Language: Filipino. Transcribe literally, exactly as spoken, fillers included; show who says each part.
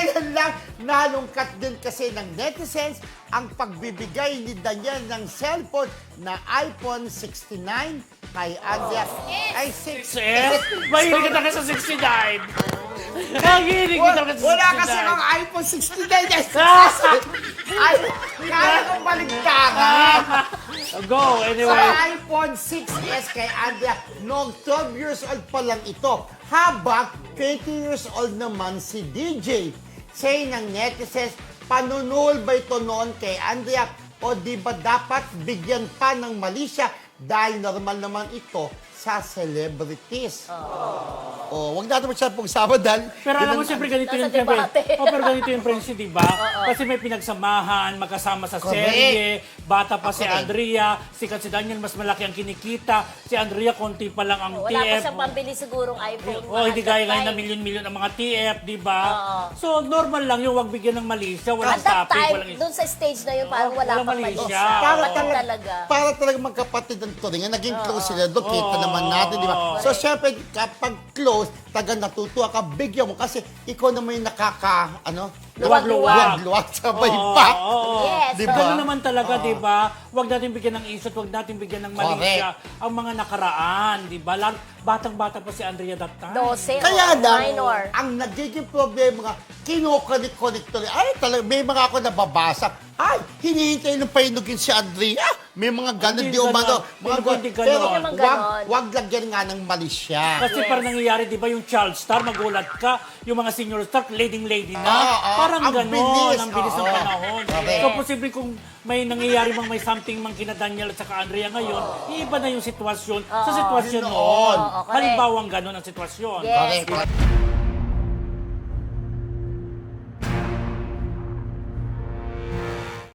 Speaker 1: kailan lang nalungkat din kasi ng netizens ang pagbibigay ni Daniel ng cellphone na iPhone sixty-nine kay Andrea. Ay, six
Speaker 2: S? Mahilig ka talaga sa sixty-nine. Mahilig ka talaga sa
Speaker 1: Wala kasi
Speaker 2: sixty-nine.
Speaker 1: ang iPhone sixty-nine. Yes. Ay, kaya kong baligtaran.
Speaker 2: Go,
Speaker 1: Sa
Speaker 2: anyway.
Speaker 1: iPhone six S kay Andrea, noong twelve years old pa lang ito. Habang twenty years old naman si D J. Say ng netizens, panunul ba ito noon kay Andrea? O di ba dapat bigyan pa ng mali siya dahil normal naman ito sa celebrities? Oh, wag natin masyadong pag-usama dahil...
Speaker 2: Pero alam mo,
Speaker 1: yun ang-
Speaker 2: siyempre ganito
Speaker 3: Nasa
Speaker 2: yung siyempre.
Speaker 3: debate.
Speaker 2: Oh, pero ganito yung friendship, di ba? Kasi may pinagsamahan, magkasama sa
Speaker 1: Correct.
Speaker 2: serye, bata pa si
Speaker 1: Correct.
Speaker 2: Andrea, sikat si Daniel, mas malaki ang kinikita. Si Andrea, konti pa lang ang T
Speaker 3: Wala pa
Speaker 2: F.
Speaker 3: siyang pambili sigurong iPhone.
Speaker 2: Oh, hindi gaya ngayon na
Speaker 3: At that time,
Speaker 2: milyon-milyon ang mga T F, di ba?
Speaker 3: Oo.
Speaker 2: So, normal lang yung wag bigyan ng mali siya, walang
Speaker 3: At that
Speaker 2: topic,
Speaker 3: time,
Speaker 2: walang
Speaker 3: doon sa stage na yun, parang
Speaker 2: Oh,
Speaker 3: wala
Speaker 2: walang
Speaker 3: pang
Speaker 2: mali
Speaker 3: mali
Speaker 2: siya.
Speaker 3: siya.
Speaker 1: Para
Speaker 3: Kapatid
Speaker 1: talaga,
Speaker 3: talaga.
Speaker 1: para talaga magkapatid ang turingan. Naging close sila doon. Kita
Speaker 2: Oo.
Speaker 1: naman natin, di ba?
Speaker 2: Oo.
Speaker 1: So, syempre, kapag close, taga natutuwa ka, bigyan mo. Kasi ikaw naman yung nakaka, ano?
Speaker 2: Luwag-luwag.
Speaker 1: Luwag sabay
Speaker 2: Oo,
Speaker 1: pa.
Speaker 2: oo.
Speaker 3: Yes.
Speaker 1: Di
Speaker 2: Ganun
Speaker 1: ba?
Speaker 2: naman talaga, di ba? Huwag natin bigyan ng isot, huwag natin bigyan ng mali
Speaker 1: Correct.
Speaker 2: siya. Ang mga nakaraan, di ba? Lar- Batang-bata pa si Andrea that time.
Speaker 3: Dose
Speaker 1: Kaya
Speaker 3: or
Speaker 1: lang,
Speaker 3: minor.
Speaker 1: ang nagiging problema nga, kinukulit-kulit tuloy. Ay, talaga, may mga ako nababasa. Ay, hinihintay ng painugin si Andrea. May mga ganon,
Speaker 2: Hindi
Speaker 1: di umano.
Speaker 2: ganon.
Speaker 1: Mga
Speaker 2: Hindi
Speaker 1: ganon.
Speaker 2: ganon.
Speaker 1: Pero
Speaker 3: Hindi naman
Speaker 1: wag,
Speaker 3: ganon.
Speaker 1: wag lagyan nga ng mali siya.
Speaker 2: Kasi parang nangyayari, di ba, yung child star, magulat ka, yung mga senior star, leading-lady na.
Speaker 1: Oo, oo.
Speaker 2: Parang
Speaker 1: Ang
Speaker 2: gano'n,
Speaker 1: bilis,
Speaker 2: ang bilis ng
Speaker 1: oo.
Speaker 2: panahon.
Speaker 1: Correct.
Speaker 2: So, posible kung may nangyayari mang may something mang kina Daniel at saka Andrea ngayon, iiba na yung sitwasyon sa sitwasyon
Speaker 1: Noon.
Speaker 2: noon.
Speaker 3: Oo, correct.
Speaker 2: Halimbawa, gano'n ang sitwasyon.
Speaker 3: Yes.
Speaker 1: Correct.